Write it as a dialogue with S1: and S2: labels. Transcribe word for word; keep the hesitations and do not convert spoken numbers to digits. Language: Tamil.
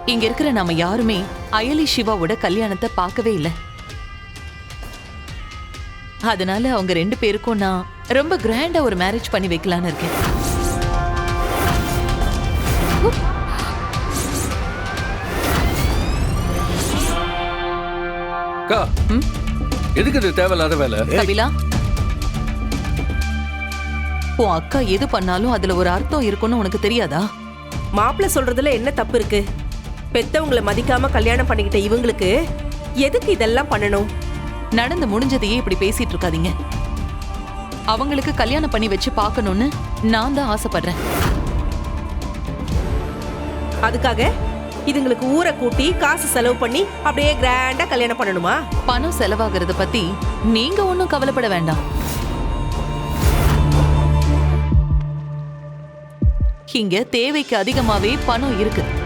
S1: இங்க இருக்கிற நாம யாருமே அயலி சிவாவோட கல்யாணத்தை பார்க்கவே இல்லை. அதனால அவங்க ரெண்டு பேருக்கும் நான் ரொம்ப கிராண்டா ஒரு மேரேஜ் பண்ணி வைக்கலான்னு இருக்கேன்.
S2: அக்கா, எதுக்கு இது தேவையில்லாத வேலை?
S1: கபிலா, உன் அக்கா எது பண்ணாலும் அதுல ஒரு அர்த்தம் இருக்குன்னு உனக்கு தெரியாதா?
S3: மாப்பிள்ள சொல்றதுல என்ன தப்பு இருக்கு? பெத்தவங்களை மதிக்காம கல்யாணம் பண்ணிக்கிட்ட இவங்களுக்கு எதுக்கு இதெல்லாம் பண்ணணும்?
S1: நடந்து முடிஞ்சதையே இப்படி பேசிட்டு இருக்காதீங்க. அவங்களுக்கு கல்யாணம் பண்ணி வச்சு பார்க்கணும்னு நான் தான் ஆசைப்படுறேன்.
S3: அதுக்காக இதுங்களுக்கு ஊரை கூட்டி காசு செலவு பண்ணி அப்படியே கிராண்டா கல்யாணம் பண்ணணுமா?
S1: பணம் செலவாகிறத பத்தி நீங்க ஒன்னும் கவலைப்பட வேண்டாம். இங்க தேவைக்கு அதிகமாவே பணம் இருக்கு.